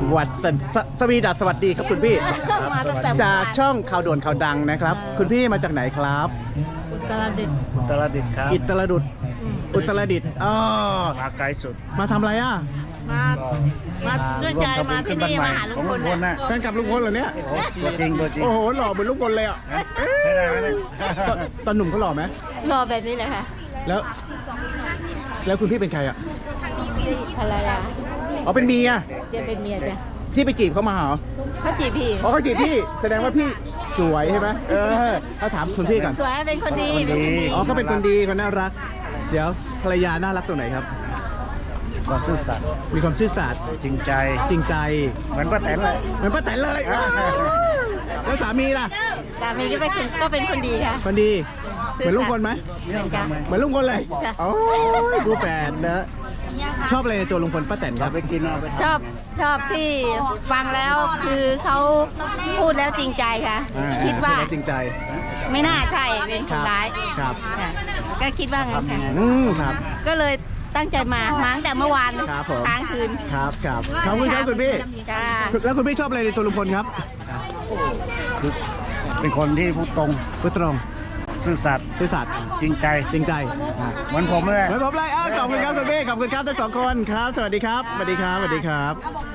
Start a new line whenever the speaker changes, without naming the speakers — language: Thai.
วัดสวีดัสสวัสดีครับคุณพี่
มาตั้งแต่
จากช่องข่าวด่วนข่าวดังนะครับ คุณพี่มาจากไหนครับ
อุตรดิตถ์
ตลาดิษฐ์ครับ
อุตรดิตถ์อุตรดิตถ์อ๋อ
มาไกลสุด
มาทำอะไรอ่ะ
มาด้วยใจมาที่นี่มาหาลุงพล
ของลุงพล
น่ะ
น่ะ
แฟนคลับลุงพลเหรอเนี่ย
ตัวจริงตัวจริง
โอ้โหหล่อเหมือนลุงพลเลยอ่ะ
ไม่ได้ไม่ได้
ตอนหนุ่มเขาหล่อไหม
รอแบบนี้เลยค่ะ
แล้วคุณพี่เป็นใครอ่ะ
ภรรยา
อ๋อเป็นเมีย
จะเป็นเมียจ้ะ
พี่ไปจีบเขามาเหรอ
เขาจีบพี่
อ๋อเขาจีบพี่แสดงว่าพี่สวยใช่ไหมเขาถามคุณพี่ก่อน
สวยเป็นคนดีเป็นคนดี
อ๋อเขาเป็นคนดีคนน่ารัก เดี๋ยวภรรยาน่ารักตรงไหนครับ
ความซื่อสัตย์
มีความซื่อสัตย์
จริงใจ
จริงใจ
เหมือนป้าแตนเลย
เหมือนป้าแตนเลยแล้วสามีล่ะ
สามีก็เป็นคนดีค่ะ
คนดีเหมือนลุงพลไหม
เหมือนกัน
เหมือนลุงพลเลย
จ้ะ
โอ้ยดูแฟนนะชอบอะไรในตัวลุงพลป้าแตนครับ
ไปกินเอาไป
ชอบที่ฟังแล้วคือเขาพูดแล้วจริงใจค่ะ คิดว่า
จริงใจ
ไม่น่าใช่เป็นคนร้าย
ครับ
ค่ะก็คิดว่างั้นค่ะ
ครับ
ก็เลยตั้งใจมาตั้งแต่เมื่อวาน
ครับผม
ค้างคืน
ครับครับขอบคุณครับคุณพี่
จ้า
แล้วคุณพี่ชอบอะไรในตัวลุงพลครับ
คือเป็นคนที่พูดตรง
พูดตรง
ซื่อสัตย์
ซื่อสัตย์
จริงใจ
จริงใจ
เหมือนผมเลย
เหมือนผมเลยขอบคุณครับคุณพี่ขอบคุณครับทั้งสองคนครับ สวัสดีครับ สวัสดีครับ สวัสดีครับ